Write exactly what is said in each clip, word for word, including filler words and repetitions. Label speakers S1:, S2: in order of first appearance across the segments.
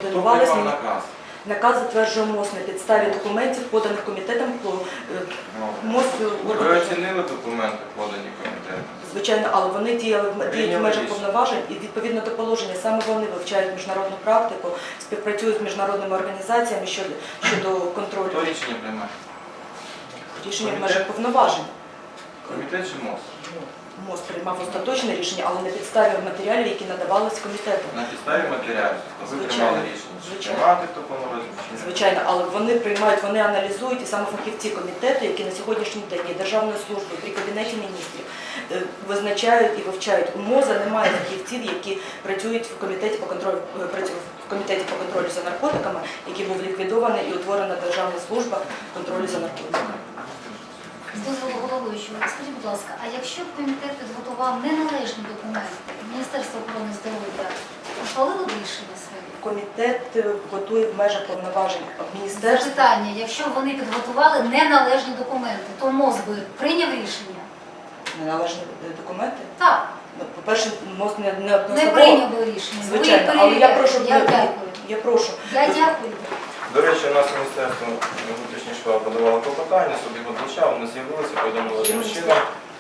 S1: координувалися.
S2: Хто приймав наказ?
S1: Наказ затверджує МОЗ на підставі документів, поданих комітетом. МОЗ
S2: Ви оцінили документи, подані комітетом?
S1: Звичайно, але вони діяли діють в межах повноважень і відповідно до положення саме вони вивчають міжнародну практику, співпрацюють з міжнародними організаціями щодо, щодо контролю.
S2: Хто рішення приймає?
S1: Рішення в межах повноважень.
S2: Комітет чи МОЗ?
S1: МОЗ приймав остаточне рішення, але на підставі матеріалів, які надавались комітету.
S2: На підставі матеріалів? Ви
S1: Звичайно.
S2: приймали рішення?
S1: Звичайно.
S2: Приймати в такому розміщенні?
S1: Звичайно, але вони приймають, вони аналізують, і саме фахівці комітету, які на сьогоднішній день є Державною службою при Кабінеті міністрів, визначають і вивчають. У МОЗа немає фахівців, які працюють в комітеті по контролю, працюють в комітеті по контролю за наркотиками, який був ліквідований і утворена Державна служба контролю за наркотиками.
S3: З дозволу головуючого, скажіть, будь ласка, а якщо б комітет підготував неналежні документи, Міністерство охорони здоров'я ухвалило б рішення своє?
S1: Комітет готує в межах повноважень міністерства.
S3: Запитання, якщо б вони підготували неналежні документи, то МОЗ би прийняв рішення?
S1: Неналежні документи?
S3: Так.
S1: Ну, по-перше, МОЗ не, не
S3: Не
S1: одноособово.
S3: прийняв би рішення. Ви
S1: Звичайно, але я прошу,
S3: Я дякую.
S1: я прошу.
S3: Я дякую.
S2: До речі, у нас Міністерство внутрішніх справ подавало клопотання, суд його вивчав, вони з'явилися, повідомили чином.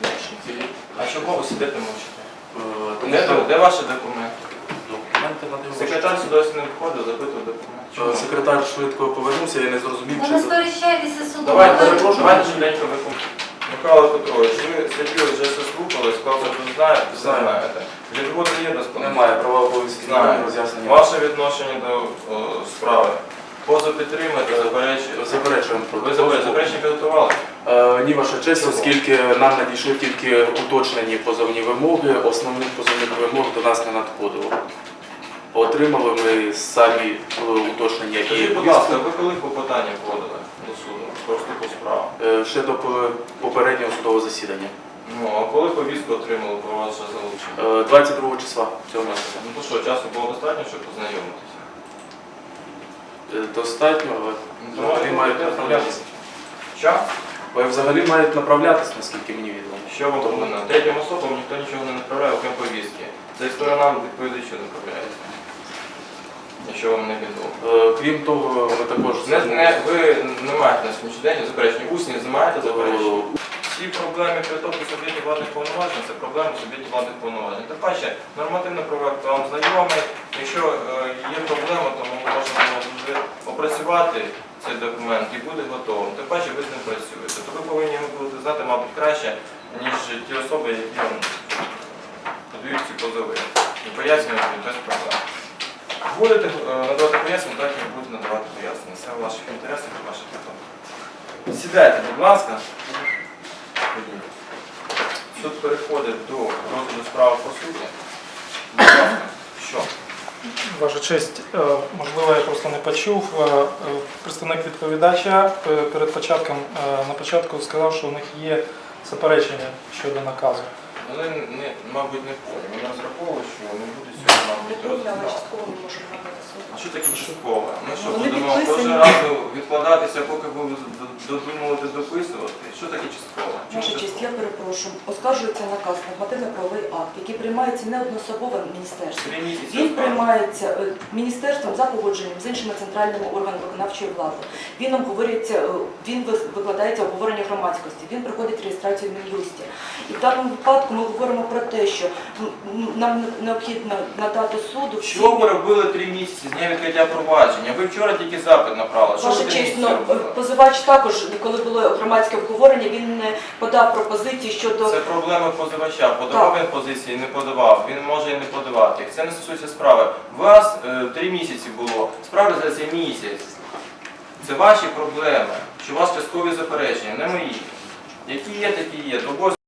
S2: А чого ви сидите мовчите? Де, де ваші документи?
S4: Документи надивилися.
S2: Секретар сюди не виходив, запитував документи. Чому?
S4: Секретар швидко повернувся, я не зрозумів,
S3: Ви
S4: чи...
S3: не сперечайтеся судом.
S2: Давайте,
S3: Ви-
S2: перепрошую, давайте швиденько виконуємо. Михайло Петрович, ви статтю вже все слухали, сказали, що ви знаєте, все
S4: Знаю.
S2: знаєте. Відводу є до складу?
S4: Немає права обов'язків,
S2: Знаю.
S4: роз'яснення.
S2: Ваше відношення до о, справи. Поза підтримуєте, заперечуєте?
S4: Заперечуємо.
S2: Ви заперечення заперечення підготували?
S4: Е, Ні, ваша честь,
S2: Чого?
S4: оскільки нам надійшли тільки уточнені позовні вимоги, основних позовних вимог до нас не надходило. Отримали ми самі е, уточнення і
S2: Скажіть, будь ласка, ви коли клопотання подали до суду про вступу справу?
S4: е, ще до по- попереднього судового засідання.
S2: Ну, а коли повістку отримали про ваше залучення?
S4: Е, двадцять другого числа цього місяця.
S2: Ну то що, часу було достатньо, щоб познайомитися?
S4: Е, Достатньо, але
S2: Ну,
S4: взагалі
S2: то
S4: мають
S2: ви
S4: направлятися.
S2: Що?
S4: Ви взагалі мають направлятися, наскільки мені відомо.
S2: Що вам повинно? Третім особам ніхто нічого не направляє, окрім повістки. Це і сторонам відповідачу направляється. Якщо вам не відомо.
S4: Е, Крім того, ми також...
S2: Не, не, ви не маєте на сьогоднішній день заперечення. Усні не маєте заперечення. Всі проблеми притоку суб'єктів владних повноважень це проблеми суб'єктів владних повноважень. Тим паче, нормативний проект вам знайомий. Якщо е, є проблема, то ми можемо вже опрацювати цей документ і буде готовим. Тим паче ви з ним працюєте. То ви повинні його будете знати, мабуть, краще, ніж ті особи, які вам подають ці позови. І пояснюють без проблем. Будете е, надавати пояснення, так і будете надавати пояснення. Це в ваших інтересах і ваших питань. Сідайте, будь ласка. Суд переходить до розгляду справи по суті. Будь ласка, що?
S5: Ваша честь, е, можливо, я просто не почув. Е, е, Представник відповідача е, перед початком, е, на початку сказав, що у них є заперечення щодо наказу.
S2: Вони, не, мабуть, не поняли. Вони розраховували, що не буде сьогодні, мабуть,
S1: Але
S2: розглядати.
S1: частково ми можемо надати суд.
S2: А що таке часткове? Ми що,
S1: Вони
S2: будемо
S1: підписані.
S2: кожен раз відкладатися, поки будемо додумувати, дописувати? Що таке часткове? Чому
S1: Ваша честь,
S2: часткове?
S1: я перепрошую. Оскаржується наказ, нормативно-правовий акт, який приймається не одноособово міністерством.
S2: Три місяці.
S1: Він приймається е, міністерством за погодженням з іншими центральними органами виконавчої влади. Він обговорюється, е, він вис- викладається обговорення громадськості, він проходить реєстрацію в Мін'юсті. І в даному випадку ми говоримо про те, що м, м, нам необхідно надати суду всі...
S2: Що ви робили три місяці з дня відкриття провадження? Ви вчора тільки запит направили. Що ви
S1: Ваша
S2: три
S1: честь,
S2: місяці
S1: ну,
S2: робили?
S1: позивач також, коли було громадське обговорення, він не подав пропозиції щодо...
S2: Це проблема позивача. Подавав
S1: Так.
S2: він позиції, не подавав. Він може і не подавати. Це не стосується справи. У вас е, три місяці було. Справа за цей місяць. Це ваші проблеми. Що у вас часткові заперечення, не мої. Які є, такі є.